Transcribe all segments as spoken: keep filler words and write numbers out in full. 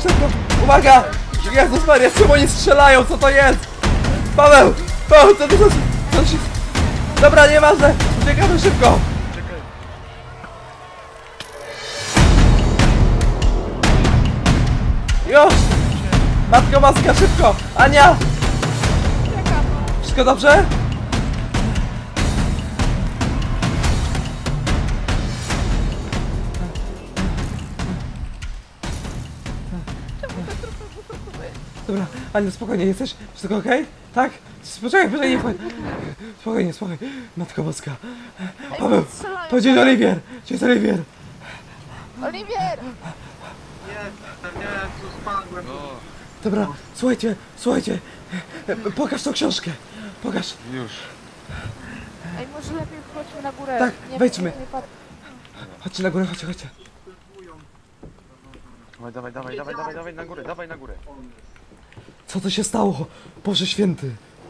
Szybko! Uwaga! Jezus Maria, czemu oni strzelają? Co to jest? Paweł! Paweł, co to za... co się... Dobra, nieważne! Uciekamy szybko! Czekaj. Już! Matko maska, szybko! Ania! Czekam. Wszystko dobrze? Dobra, Aniu, spokojnie, jesteś? Wszystko okej? Tak? Poczekaj, poczekaj, nie wchodź. Spokojnie, spokojnie. Matko boska. Paweł, Strzelają. to dzień Oliwier! Gdzie jest Oliwier? Oliwier! Nie, nie, tu spadłem. No, Dobra, słuchajcie, słuchajcie. Pokaż tą książkę. Pokaż. już. Ej, może lepiej chodźmy na górę. Tak, nie, wejdźmy. Nie, nie, pat- Chodźcie na górę, chodźcie, chodźcie. Dawaj, dawaj, dawaj, dawaj, dawaj, dawaj na górę, dawaj na górę. Co to się stało? Boże święty.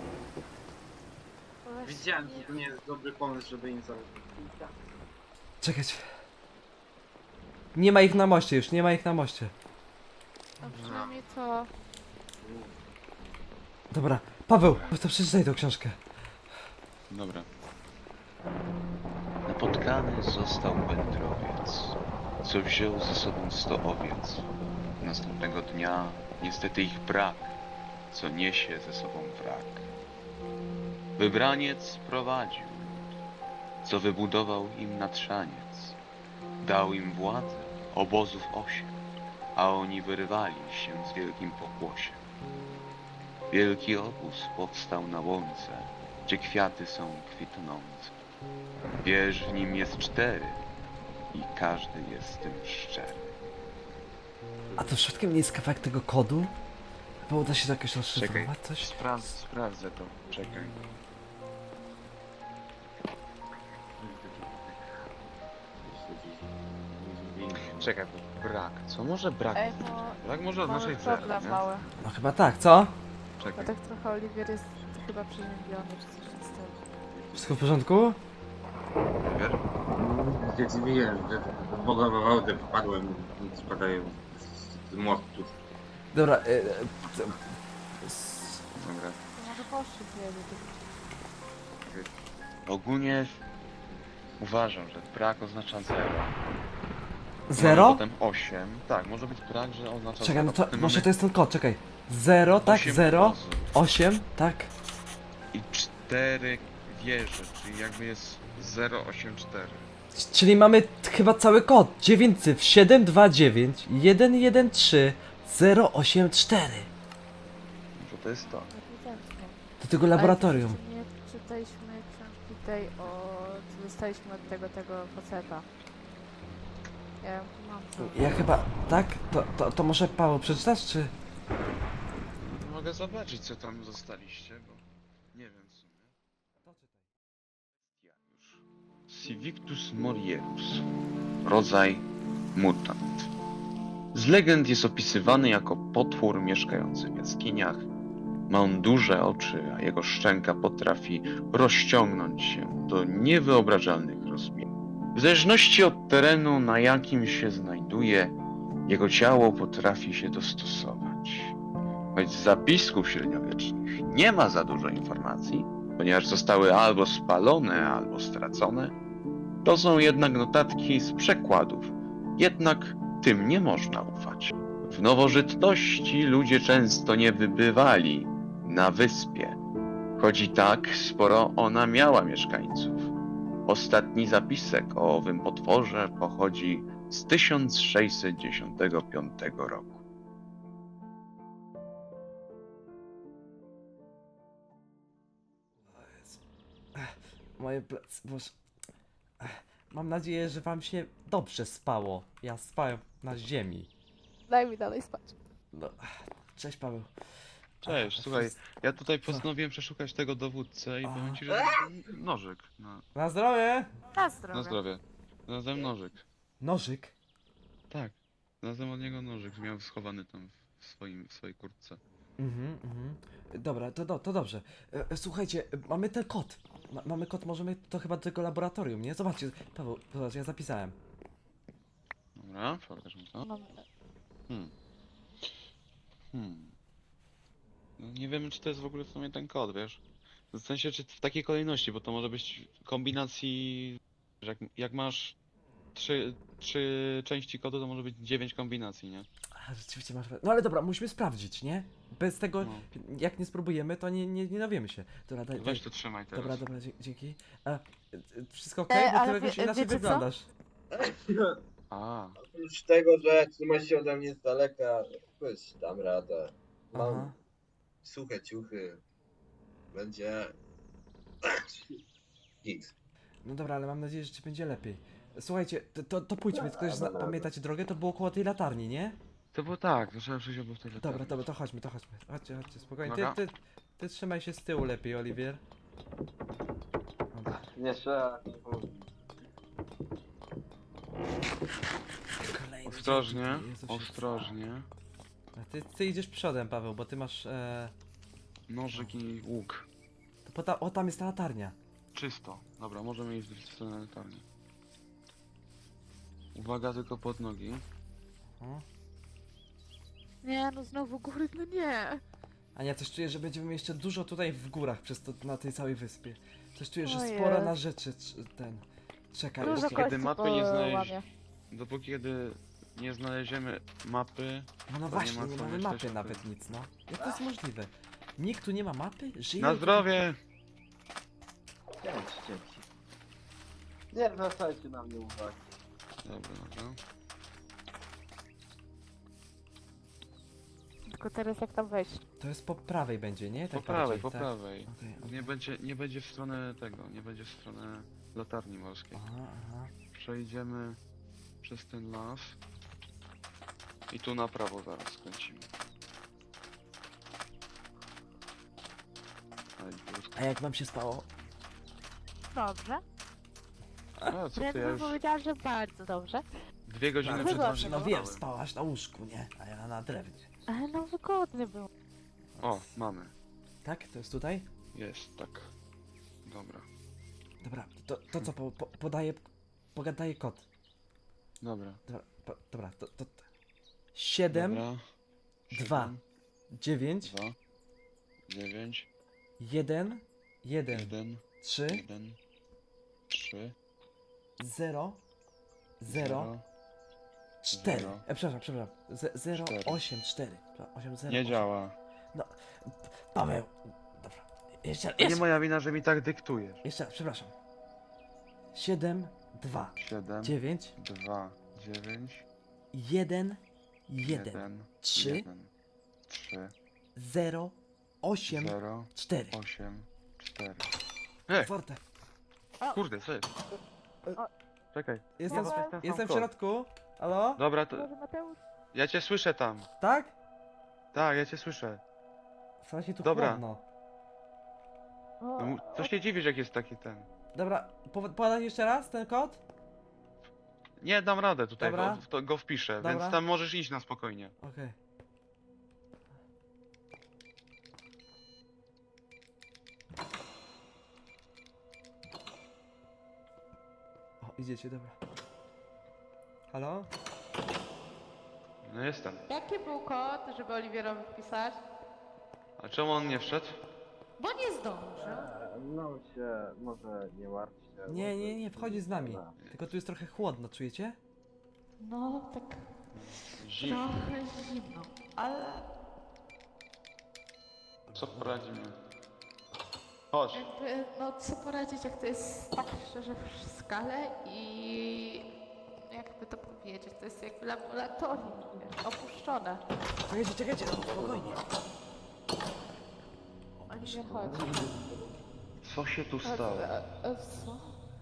Widziałem, że to nie jest dobry pomysł, żeby im założyć. Czekać. Nie ma ich na moście już, nie ma ich na moście. No przynajmniej to... Dobra, Paweł, to przeczytaj tą książkę. Dobra. Napotkany został wędrowiec, co wziął ze sobą sto owiec. Następnego dnia niestety ich brak, co niesie ze sobą wrak. Wybraniec prowadził lud, co wybudował im natrzaniec. Dał im władzę, obozów osiem, a oni wyrywali się z wielkim pokłosiem. Wielki obóz powstał na łące, gdzie kwiaty są kwitnące. Wież w nim jest cztery i każdy jest z tym szczery. A to przypadkiem nie jest kawałek tego kodu? Bo uda się to jakoś rozszyfrować coś? Sprawdź, sprawdzę to. Czekaj. Czekaj, bo brak. Co może brak? Ej, bo Brak może mamy oznaczać zero, problem nie? mały. No chyba tak, co? Bo Czekaj. tak trochę Oliwier jest chyba przeziębiony, czy coś w tym stylu. Wszystko w porządku? Wiesz? Gdzie dziwiłem, że Boga wodę wpadłem i spadają z, z mostu. Dobra, y, y, to- s- Dobra. To może poszczyt jedzie. Ogólnie uważam, że brak oznacza zero. zero? Mamy potem osiem. Tak, może być brak, że oznacza Czekaj, zero. no to Potem może mamy to jest ten kod, czekaj. zero, tak, osiem zero, obozów osiem, tak. i cztery wieże, czyli jakby jest zero osiem cztery. C- Czyli mamy t- chyba cały kod. dziewięć cyfr, siedem dwa dziewięć, jeden jeden trzy, zero osiem cztery. Może to jest to. Ewidentnie. Do tego laboratorium. Ale nie czytaliśmy książki tej o... co dostaliśmy od tego, tego faceta. Ja ją tu mam. to. Ja chyba, tak? To, to, to może Paweł przeczytasz, czy... Mogę zobaczyć, co tam zostaliście, bo nie wiem w sumie. Civictus morierus. Rodzaj mutant. Z legend jest opisywany jako potwór mieszkający w jaskiniach. Ma on duże oczy, a jego szczęka potrafi rozciągnąć się do niewyobrażalnych rozmiarów. W zależności od terenu, na jakim się znajduje, jego ciało potrafi się dostosować. Choć z zapisków średniowiecznych nie ma za dużo informacji, ponieważ zostały albo spalone, albo stracone, to są jednak notatki z przekładów. Jednak tym nie można ufać. W nowożytności ludzie często nie wybywali na wyspie, choć i tak sporo ona miała mieszkańców. Ostatni zapisek o owym potworze pochodzi z tysiąc sześćset dziesiątego piątego roku. Moje plecy, boże. Mam nadzieję, że wam się dobrze spało. Ja spałem na ziemi. Daj mi dalej spać. No. Cześć Paweł. Cześć, słuchaj, ja tutaj postanowiłem przeszukać tego dowódcę i A. powiem ci, że nożyk. Na, Na zdrowie! Na zdrowie. na zdrowie. Znalazłem nożyk. Nożyk. Tak. Znalazłem od niego nożyk, miał schowany tam w, swoim, w swojej kurtce. Mhm, mhm. Dobra, to, do, to dobrze. E, e, słuchajcie, e, mamy ten kod. Ma, mamy kod, możemy to chyba do tego laboratorium, nie? Zobaczcie, Paweł, zobacz, ja zapisałem. Dobra, pokaż mi to. Mam... Hmm. Hmm. No, nie wiem, czy to jest w ogóle w sumie ten kod, wiesz? W sensie, czy w takiej kolejności, bo to może być kombinacji... że Jak, jak masz trzy, trzy części kodu, to może być dziewięć kombinacji, nie? A, rzeczywiście masz. No ale dobra, musimy sprawdzić, nie? Bez tego, No. jak nie spróbujemy, to nie, nie, nie dowiemy się. Dobra, daj, daj. Weź to trzymaj teraz. Dobra, dobra, dzie- dzięki. A, e, e, wszystko ok? E, Bo ale ty jakoś wie- inaczej wiecie co? wyglądasz. A, Oprócz tego, że trzyma się ode mnie z daleka, jakoś dam radę. Mam Aha. suche ciuchy. Będzie... Git. No dobra, ale mam nadzieję, że ci będzie lepiej. Słuchajcie, to, to, to pójdźmy, ktoś zna, dobra. pamiętacie drogę? To było koło tej latarni, nie? to było tak, to trzeba przyjść obok tej Dobra, latarni. dobra, to chodźmy, to chodźmy. Chodźcie, chodźcie, spokojnie. Ty, Dobra. ty, ty trzymaj się z tyłu lepiej, Oliwier. Dobra. Nie trzeba. Kolejny Ostrożnie, dzień, Jezusie. ostrożnie. A ty, ty idziesz przodem, Paweł, bo ty masz... E... Nożyk i łuk. To po ta, o, tam jest ta latarnia. Czysto. Dobra, możemy iść w stronę latarni. Uwaga tylko pod nogi. O. Nie, no znowu góry, no nie. Ania, coś czuję, że będziemy jeszcze dużo tutaj w górach przez to, na tej całej wyspie. Coś czuję, że O sporo jest. na rzeczy c- ten... Czekaj, Dużo Dopóki jeszcze- kiedy kości mapy nie znaleźć- połamie. Dopóki kiedy nie znaleziemy mapy, No, no to właśnie, nie nie, ma co mamy myśleć mapy o nawet tym. nic, no. Jak to jest możliwe? Nikt tu nie ma mapy? Żyje? na zdrowie! Dzięki, dzięki. Nie zwracajcie na mnie uwagi. Dobra, dobra. Tylko teraz jak tam wejść? To jest po prawej będzie, nie? Po Tak prawej, bardziej, po tak? prawej. Okej, okej. Nie będzie, nie będzie w stronę tego, nie będzie w stronę latarni morskiej. Aha, aha. Przejdziemy przez ten las. I tu na prawo zaraz skręcimy. Aj, bluzka. A jak wam się spało? Dobrze. A, co ty, Wręcz ja bym już powiedziała, że bardzo dobrze. dwie godziny No, przed wygodnie. naszym no wiem, kanałem. spałaś na łóżku, nie? A ja na drewnie. Ale no wygodnie było. O, mamy. Tak? To jest tutaj? Jest, tak. Dobra. Dobra, to, to co, po, po, podaję, pogadaję kod. Dobra. Dobra, po, dobra, to, to... siedem, Dobra. dwa, Siedem, dziewięć, dwa, dziewięć, jeden, jeden, jeden, trzy, jeden, trzy, zero, zero, cztery. zero. E, przepraszam, przepraszam. Z- zero, Cztery. osiem, cztery. osiem, zero, Nie osiem. działa. Paweł, dobra. Jeszcze, To nie jeszcze, moja wina, że mi tak dyktujesz. jeszcze raz, przepraszam. siedem, dwa, siedem, dziewięć, dwa, dziewięć, jeden, jeden, jeden, trzy, jeden, trzy, zero, osiem, zero, cztery. osiem, cztery. Ej, Forte. kurde, co jest? O. Czekaj. Jestem, Paweł? Ten sam jestem w kod. środku. Halo? Dobra, to Może Mateusz? ja cię słyszę tam. Tak? Tak, ja cię słyszę. Słuchajcie, tu Dobra. chłodno. O, No, mu- co się dziwisz, jak jest taki ten? Dobra, po, podać jeszcze raz ten kod? Nie, dam radę tutaj, Dobra. go, to go wpiszę, Dobra. więc tam możesz iść na spokojnie. Okej. O, idziecie, dobra. Halo? No jestem. Jaki był kod, żeby Oliwierowi wpisać? A czemu on nie wszedł? Bo nie zdążył. No się, może nie martwcie. Nie, nie, nie, wchodzi z nami. Tylko tu jest trochę chłodno, czujecie? No, tak Zim. trochę zimno, ale Co poradzimy? Chodź. jakby, no co poradzić, jak to jest tak szczerze w skale i jakby to powiedzieć, to jest jakby laboratorium, wiesz, opuszczone. Czekajcie, czekajcie, no, spokojnie. Oliwia, chodź. Co się tu Chodź, stało? e, e, co?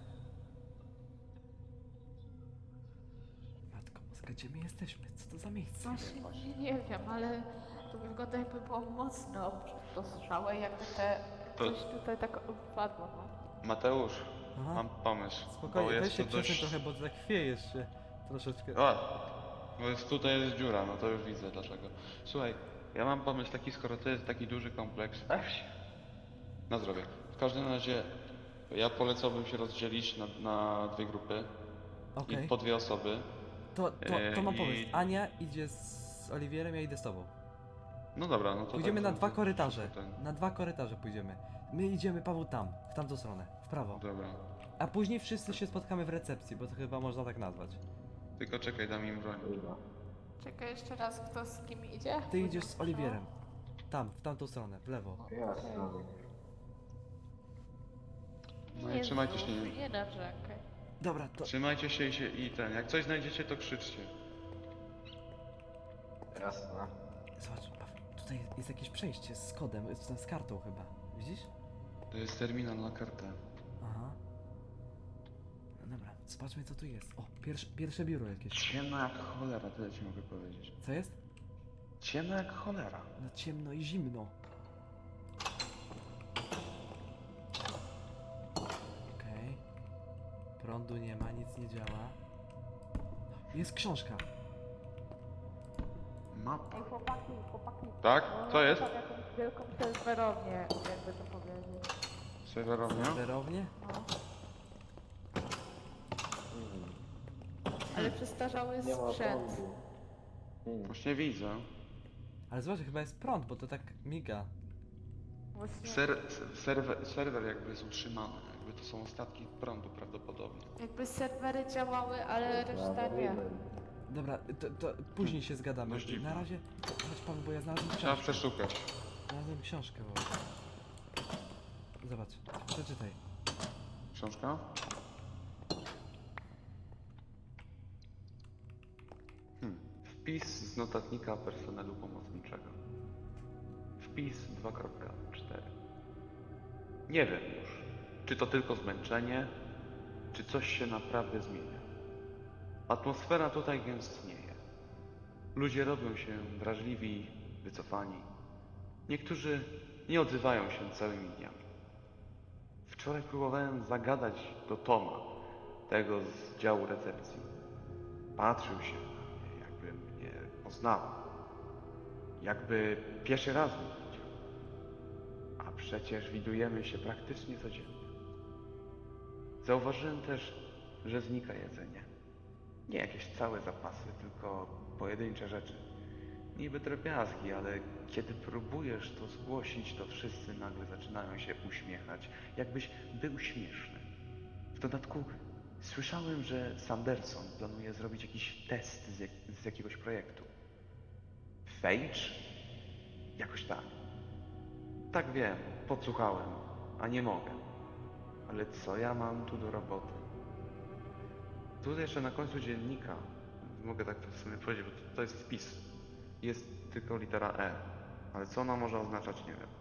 Matko Boska, gdzie my jesteśmy? Co to za miejsce? Właśnie nie, nie wiem, ale to wygląda jakby było mocno dostrzałe, jakby te To- coś tutaj tak upadło, no. Mateusz, Aha. mam pomysł. bo Spokojnie, jest weź się to przesuń dość... trochę, bo tak chwiejesz się troszeczkę. A, bo jest, tutaj jest dziura, no to już widzę dlaczego. Słuchaj, ja mam pomysł taki, skoro to jest taki duży kompleks. Na zdrowie. W każdym razie ja polecałbym się rozdzielić na, na dwie grupy Okej. i po dwie osoby. To, to, to mam i- pomysł. Ania idzie z Oliwierem, ja idę z tobą. No dobra, no to Pójdziemy tak, na dwa to- korytarze. ten- Na dwa korytarze pójdziemy. My idziemy, Paweł, tam, w tamtą stronę, w prawo. Dobra. A później wszyscy się spotkamy w recepcji, bo to chyba można tak nazwać. Tylko czekaj, dam im broń. Czekaj jeszcze raz, kto z kim idzie? Ty idziesz z Oliwierem. Tam, w tamtą stronę, w lewo. Jasne. No i Jezu, trzymajcie się. Nie narzekaj. Dobra, to... Trzymajcie się i, się i ten. Jak coś znajdziecie, to krzyczcie. Jasne. Zobacz, Paweł, tutaj jest jakieś przejście z kodem, z, z kartą chyba. Widzisz? To jest terminal na kartę. Aha. No dobra, zobaczmy co tu jest. O, pierwsze, pierwsze biuro jakieś. Ciemno jak cholera, tyle ci mogę powiedzieć. Co jest? Ciemno jak cholera. No ciemno i zimno. Okej. Prądu nie ma, nic nie działa. Jest książka. Mapa. Ej, chłopaki, chłopaki. Tak? Co jest? Mam jakąś wielką serwerownię, jakby to powiedzieć. Serwerownia? Serwerownie? No. Ale przestarzały Nie ma sprzęt. prądu. Hmm. Właśnie widzę. Ale zobacz, chyba jest prąd, bo to tak miga. Właśnie, Ser, serwer, serwer jakby jest utrzymany. Jakby to są ostatki prądu prawdopodobnie. jakby serwery działały, ale reszta nie. Dobra, to, to później się zgadamy. Dość dziwne. Na razie... Chodź Paweł, bo ja znalazłem Trzeba książkę. przeszukać. Znalazłem książkę, bo... Zobacz, przeczytaj. Książka? Hmm. Wpis z notatnika personelu pomocniczego. Wpis dwa kropka cztery. Nie wiem już, czy to tylko zmęczenie, czy coś się naprawdę zmienia. Atmosfera tutaj gęstnieje. Ludzie robią się wrażliwi, wycofani. Niektórzy nie odzywają się całymi dniami. Wczoraj próbowałem zagadać do Toma, tego z działu recepcji. Patrzył się na mnie, jakby mnie poznał. Jakby pierwszy raz mnie widział. A przecież widujemy się praktycznie codziennie. Zauważyłem też, że znika jedzenie. Nie jakieś całe zapasy, tylko pojedyncze rzeczy. Niby drobiazgi, ale kiedy próbujesz to zgłosić, to wszyscy nagle zaczynają się uśmiechać, jakbyś był śmieszny. W dodatku słyszałem, że Sanderson planuje zrobić jakiś test z, jak z jakiegoś projektu. Phage? Jakoś tak. Tak wiem, podsłuchałem, a nie mogę. Ale co ja mam tu do roboty? Tu jeszcze na końcu dziennika, mogę tak w sumie powiedzieć, bo to, to jest wpis. Jest tylko litera E, ale co ona może oznaczać, nie wiem.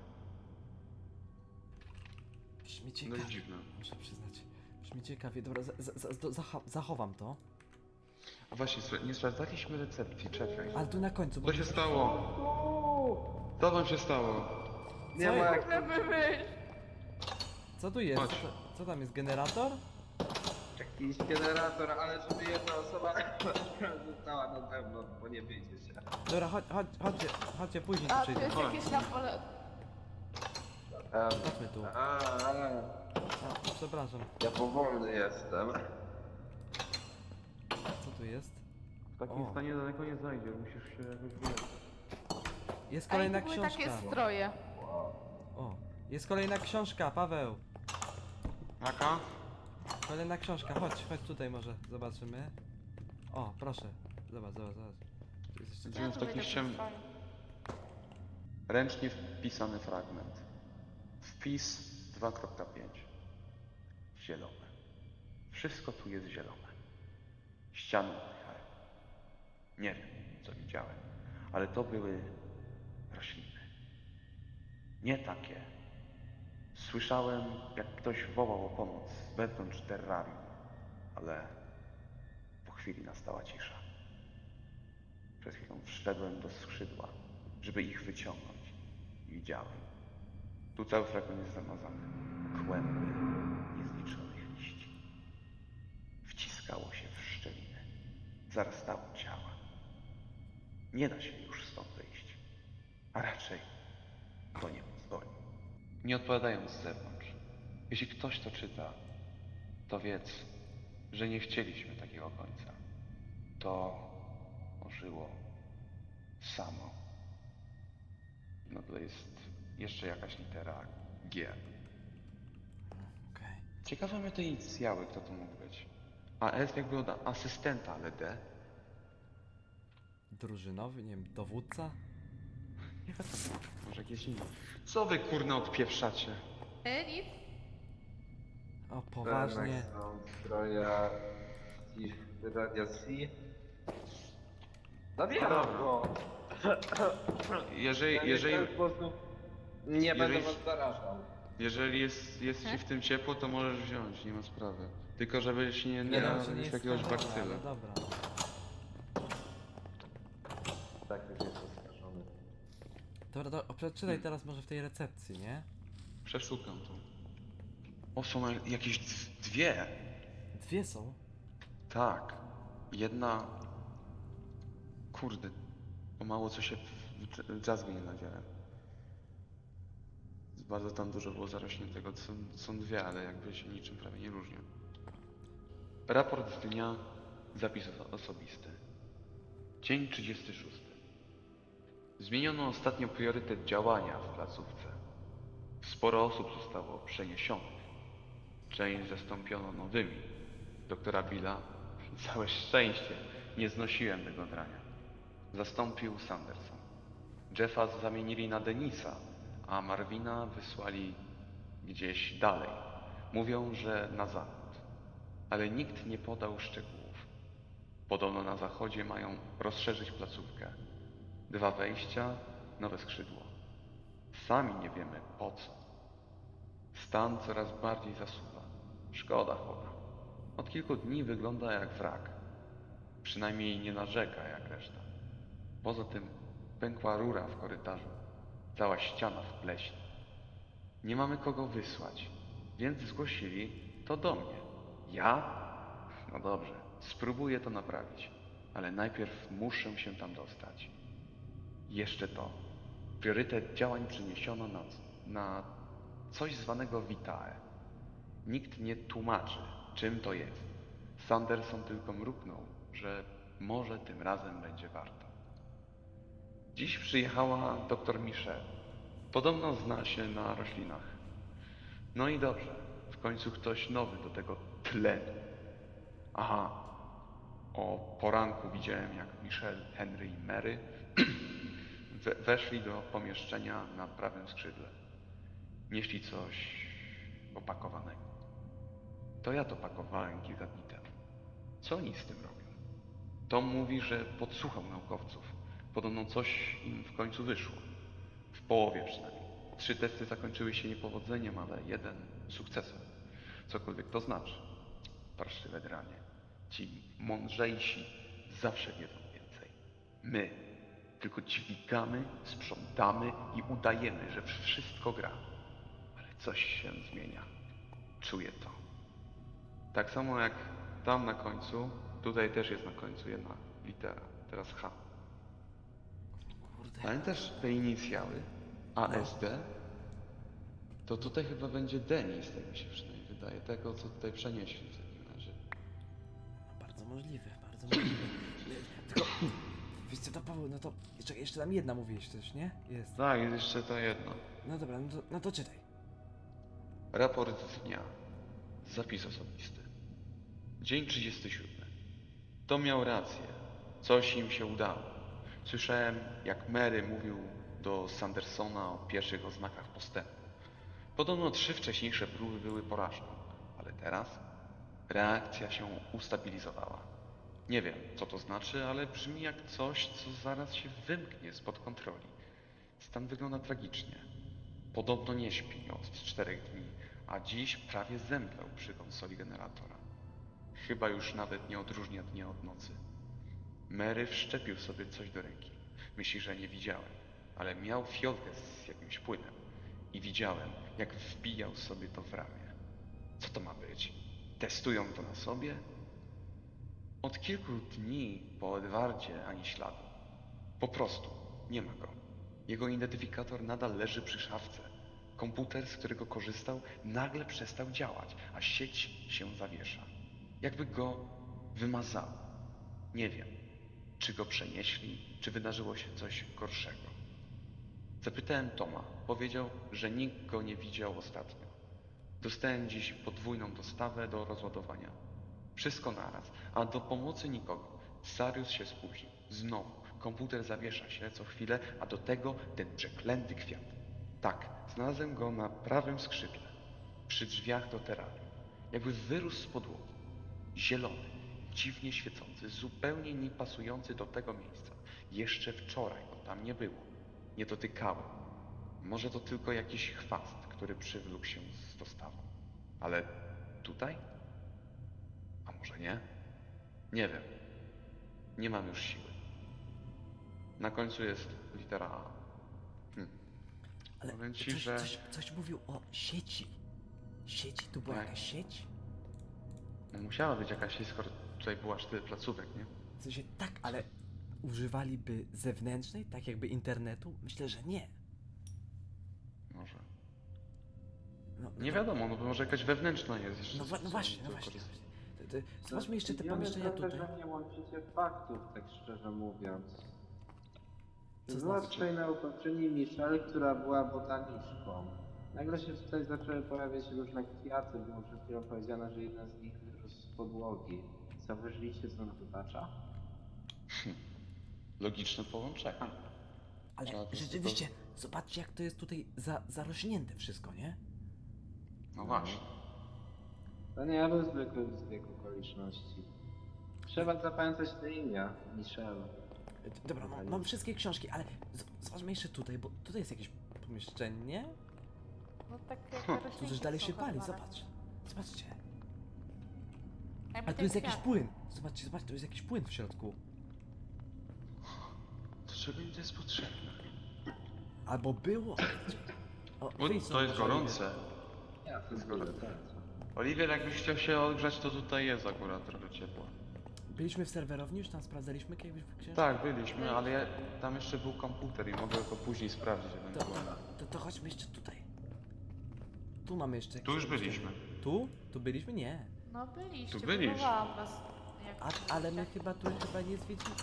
Brzmi No ciekawie, i dziwne. muszę przyznać. Brzmi ciekawie, dobra, za, za, za, zacha- zachowam to. A właśnie, słuchaj, nie sprawdzaliśmy recepcji, czekaj. Ale tu na końcu, bo... Co się stało? Co wam się stało? Nie Co ma jest? jak... Możemy wyjść. Co tu jest? Chodź. Co, to- co tam jest, generator? Jakiś generator, ale żeby jedna osoba została na zewnątrz, bo nie wyjdzie się. Dobra, chodź, chodź, chodźcie, chodźcie, później tu A, tu przyjdę. jest Chodź. jakieś na pole... Um, Chodźmy tu. a, a, A, przepraszam, ja powolny jestem. co tu jest? W takim O. stanie daleko nie zajdziesz, musisz się jakoś wyleczyć. Jest A i kolejna to były książka. takie stroje. O, jest kolejna książka, Paweł. Jaka? Kolejna książka, chodź, chodź tutaj może, zobaczymy. O, proszę, zobacz, zobacz, zobacz. Tu jest jeszcze... Idziemy w tu takim będzie ściem... stroje. Ręcznie wpisany fragment. Wpis dwa kropka pięć. Zielone. Wszystko tu jest zielone. Ściany oddychają. Nie wiem, co widziałem, ale to były rośliny. Nie takie. Słyszałem, jak ktoś wołał o pomoc z wewnątrz terrarium, ale po chwili nastała cisza. Przez chwilę wszedłem do skrzydła, żeby ich wyciągnąć. I widziałem. Tu cały fragment jest zamazany. Kłęby niezliczonych liści. Wciskało się w szczeliny. Zarastało ciała. Nie da się już stąd wyjść. A raczej to nie pozwoli. Nie odpowiadając z zewnątrz. Jeśli ktoś to czyta, to wiedz, że nie chcieliśmy takiego końca. To ożyło samo. Na dole jest jeszcze jakaś litera G. Okej. Ciekawe mnie te inicjały, kto to mógł być. A S jakby od asystenta, ale D? Drużynowy, nie wiem, dowódca? Nie wiadomo, może jakieś inne. Co wy kurno odpieprzacie? E, nic. O, poważnie. Są stroja i radiacji. Zabieram Dobra. go! Jeżeli, Ja jeżeli, w ten sposób nie będę jeżeli- was zarażał. jeżeli jest, jest ci He? w tym ciepło, to możesz wziąć, nie ma sprawy. Tylko żebyś nie, nie Nie, no, narobił że nie jest jakiegoś skażony, bakcyla. ale dobra. Tak już jest oskarżony. Dobra, to przeczytaj teraz może w tej recepcji, nie? Przeszukam to. O, są na- jakieś d- dwie. Dwie są. Tak. Jedna... Kurde. Pomału co się w dr- drzazgę nie nadziałem. Bardzo tam dużo było zarośniętego. Są, są dwie, ale jakby się niczym prawie nie różnią. Raport z dnia. Zapis oso- osobisty. Dzień trzydziesty szósty. Zmieniono ostatnio priorytet działania w placówce. Sporo osób zostało przeniesionych. Część zastąpiono nowymi. Doktora Billa, całe szczęście, nie znosiłem tego drania. Zastąpił Sanderson. Jeffa zamienili na Denisa, a Marvina wysłali gdzieś dalej. Mówią, że na zachód. Ale nikt nie podał szczegółów. Podobno na zachodzie mają rozszerzyć placówkę. Dwa wejścia, nowe skrzydło. Sami nie wiemy po co. Stan coraz bardziej zasuwa. Szkoda chłopa. Od kilku dni wygląda jak wrak. Przynajmniej nie narzeka jak reszta. Poza tym pękła rura w korytarzu. Cała ściana w pleśni. Nie mamy kogo wysłać, więc zgłosili to do mnie. Ja? No dobrze, spróbuję to naprawić. Ale najpierw muszę się tam dostać. Jeszcze to. Priorytet działań przeniesiono na, na coś zwanego Vitae. Nikt nie tłumaczy, czym to jest. Sanderson tylko mruknął, że może tym razem będzie warto. Dziś przyjechała doktor Michelle. Podobno zna się na roślinach. No i dobrze, w końcu ktoś nowy do tego tlenu. Aha, o poranku widziałem, jak Michelle, Henry i Mary we weszli do pomieszczenia na prawym skrzydle. Nieśli coś opakowanego. To ja to pakowałem kilka dni temu. Co oni z tym robią? Tom mówi, że podsłuchał naukowców. Podobno coś im w końcu wyszło. W połowie przynajmniej. Trzy testy zakończyły się niepowodzeniem, ale jeden sukcesem. Cokolwiek to znaczy. Parszywe dranie. Ci mądrzejsi zawsze wiedzą więcej. My tylko dźwigamy, sprzątamy i udajemy, że wszystko gra. Ale coś się zmienia. Czuję to. Tak samo jak tam na końcu, tutaj też jest na końcu jedna litera, teraz H. Kurde. Pamiętasz te inicjały? A S D? To tutaj chyba będzie Denis, tak mi się przynajmniej wydaje. Tego, co tutaj przenieśli w takim razie. No, bardzo możliwe, bardzo możliwe. Tylko, wiesz co to Paweł, no to jeszcze, jeszcze tam jedna mówiłeś też, nie? Jest. Tak, jest jeszcze to jedno. No dobra, no to, no to czytaj. Raport dnia. Zapis osobisty. Dzień trzydziesty siódmy. To miał rację. Coś im się udało. Słyszałem, jak Mary mówił do Sandersona o pierwszych oznakach postępu. Podobno trzy wcześniejsze próby były porażką, ale teraz reakcja się ustabilizowała. Nie wiem, co to znaczy, ale brzmi jak coś, co zaraz się wymknie spod kontroli. Stan wygląda tragicznie. Podobno nie śpi od czterech dni, a dziś prawie zemdlał przy konsoli generatora. Chyba już nawet nie odróżnia dnia od nocy. Mary wszczepił sobie coś do ręki. Myśli, że nie widziałem, ale miał fiolkę z jakimś płynem i widziałem, jak wbijał sobie to w ramię. Co to ma być? Testują to na sobie? Od kilku dni po Edwardzie ani śladu. Po prostu nie ma go. Jego identyfikator nadal leży przy szafce. Komputer, z którego korzystał, nagle przestał działać, a sieć się zawiesza. Jakby go wymazało. Nie wiem, czy go przenieśli, czy wydarzyło się coś gorszego. Zapytałem Toma. Powiedział, że nikt go nie widział ostatnio. Dostałem dziś podwójną dostawę do rozładowania. Wszystko naraz, a do pomocy nikogo. Sarius się spóźnił. Znowu. Komputer zawiesza się co chwilę, a do tego ten przeklęty kwiat. Tak, znalazłem go na prawym skrzydle. Przy drzwiach do terrarium. Jakby wyrósł z podłogi. Zielony, dziwnie świecący, zupełnie nie pasujący do tego miejsca. Jeszcze wczoraj go tam nie było. Nie dotykałem. Może to tylko jakiś chwast, który przywlókł się z dostawą. Ale tutaj? A może nie? Nie wiem. Nie mam już siły. Na końcu jest litera A. Hm. Ale Powiem ci, coś, że... coś, coś mówił o sieci. Sieci? Tu była Tak. jakaś sieć? No musiała być jakaś sieć, skoro tutaj było aż tyle placówek, nie? W sensie tak, ale używaliby zewnętrznej, tak jakby internetu? Myślę, że nie. Może. No, no Nie to- wiadomo, no bo może jakaś wewnętrzna jest jeszcze. No, wa- no co- właśnie, no co właśnie. korzystać. To- to- Zobaczmy jeszcze te Zdziwiony pomieszczenia trochę, tutaj. że nie łączycie faktów, tak szczerze mówiąc. Co Była znaczy? tutaj naukowczyni Michelle, która była botaniczką. Nagle się tutaj zaczęły pojawiać różne kwiaty, było przed chwilą powiedziane, że jeden z nich wyrósł z podłogi. Zauważyliście, co on wytacza? Logiczne połączenie. Ale Trzeba to rzeczywiście, zobaczcie jak to jest tutaj za, zarośnięte wszystko, nie? No właśnie. To nie był zwykły zbieg okoliczności. Trzeba zapamiętać te imię, Michelle. E, Dobra, mam, mam wszystkie książki, ale z- zobaczmy jeszcze tutaj, bo tutaj jest jakieś pomieszczenie. No tak jak Huh. roślinki Tu też dalej są się pali, hodowane. zobacz. Zobaczcie. Jakby A tu ten jest jakiś kwiat. płyn. Zobaczcie, zobaczcie, tu jest jakiś płyn w środku. Do czego im to jest potrzebne? Albo było. O, Bo wyjdź to jest stąd, gorące. Ja to jest Zgoda. tak. Oliwier, jakbyś chciał się odgrzać, to tutaj jest akurat trochę ciepło. Byliśmy w serwerowni, już tam sprawdzaliśmy jakieś książki? Tak, byliśmy, ale ja, tam jeszcze był komputer i mogę to później sprawdzić To, ewentualnie. to, to chodźmy jeszcze tutaj. Tu mamy jeszcze... Tu już jakieś- byliśmy. Tu? Tu byliśmy? Nie. No byliście, Tu byliście. próbowałam was. Jak A, ale my chyba tu chyba nie zwiedziliśmy.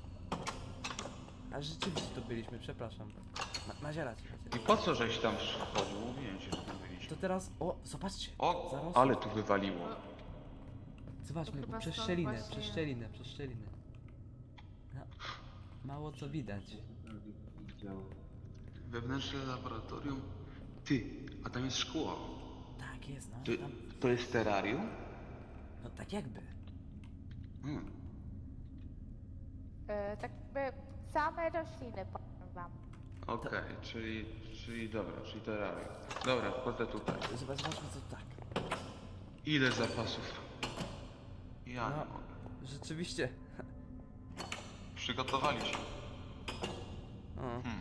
A rzeczywiście tu byliśmy, przepraszam. Ma, Mazia rację. I po co żeś tam wchodził? Mówiłem ci, że tam byliśmy. To teraz... O, zobaczcie. O, Zarosło. ale tu wywaliło. Zobaczmy, To chyba przez stąd szczelinę, właśnie- przez szczelinę, przez szczelinę. No, mało co widać. Widział. Wewnętrzne laboratorium? Ty, a tam jest szkło. Tak jest, no. Ty, Tam, to jest terrarium? no tak jakby. Hmm. E, tak jakby same rośliny, powiem wam. Okej, czyli, czyli dobra, czyli terrarium. Dobra, wchodzę tutaj. Zobacz, zobaczmy co tak. Ile zapasów? Ja No. nie mogę. Rzeczywiście. Przygotowali się. O. Hmm.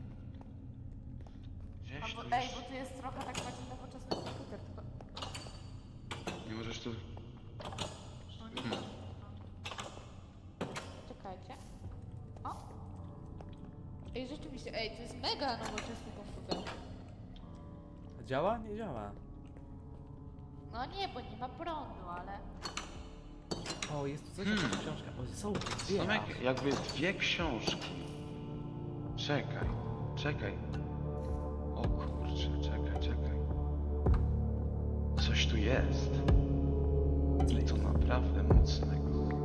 Gdzieś Albo, tu ej, jest... bo tu jest trochę tak bardziej nowoczesny komputer, tylko... Nie możesz tu... No nie. Hmm. Czekajcie. O! Ej, rzeczywiście, ej, to jest mega nowoczesny komputer. Działa? Nie działa. No nie, bo nie ma prądu, ale... O, jest tu coś, Hmm. jakaś książka. O, są tu dwie. Są aż. jak, jakby dwie książki. Czekaj, czekaj. O kurczę, czekaj, czekaj. Coś tu jest. I to naprawdę mocnego.